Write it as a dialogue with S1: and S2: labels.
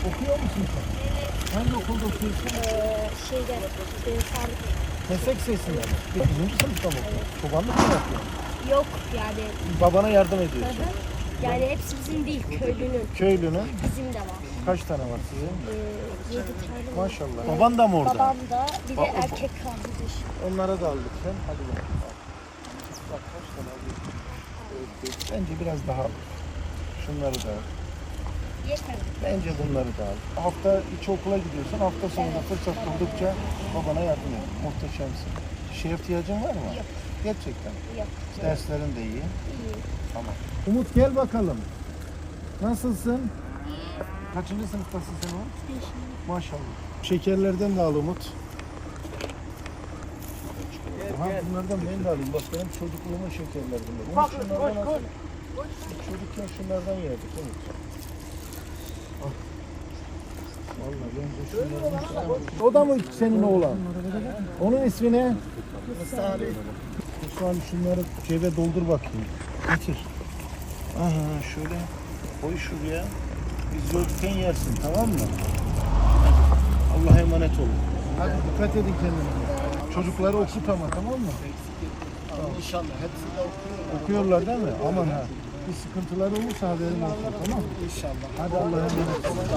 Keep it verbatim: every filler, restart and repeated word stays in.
S1: Okuyor musun sen?
S2: Evet.
S1: Hangi okulda okuyorsun?
S2: Ee, şeyde, e, sağlık.
S1: Meslek sesinde mi? Dokuzuncu sınıfta mı okuyorsun? Çobanlık mı yapıyorsun?
S2: Yok yani.
S1: Babana yardım
S2: Hı
S1: ediyorsun.
S2: hı. Yani hepsi bizim değil, köylünün.
S1: Köylünün
S2: Bizim de var.
S1: kaç tane var sizin?
S2: Ee, yedi tane var.
S1: Maşallah.
S2: Evet.
S1: Baban da mı orada?
S2: Babam da, bir de
S1: Ba-
S2: erkek kardeş.
S1: Onlara da aldık sen. Hadi bakalım. Bak kaç tane aldık. Evet, evet. Bence biraz daha al. Şunları da al.
S2: Yeter.
S1: Bence bunları da al. Hafta içi okula gidiyorsun. Hafta sonunda fırsat buldukça babana yardım et. Muhteşemsin. Şeye ihtiyacın var mı?
S2: Yok.
S1: Gerçekten.
S2: Yok.
S1: Derslerin de iyi.
S2: İyi.
S1: Tamam. Umut gel bakalım. Nasılsın? Kaçıncı sınıftasın sen Umut? Maşallah. Şekerlerden de al Umut. Aha, bunlardan ben de alayım. Bak benim çocukluğumun şekerleri bunlar. Umut şunlardan al. Çocukken şunlardan yerdik Umut. Al. Vallahi ben de şunlardan. O da mı senin oğlan? Onun ismi ne? Musa abi. Musa abi şunları cebe doldur bakayım. Getir. Aha şöyle koy şuraya. Biz yokken yersin, tamam mı? Allah'a emanet olun. Hadi dikkat edin kendinize. Çocukları okut ama, tamam mı? Tamam. İnşallah hepsi de okuyor. Okuyorlar değil mi? Aman ha. Bir sıkıntıları olursa haberin olsun, tamam mı? İnşallah. Hadi Allah'a emanet olun.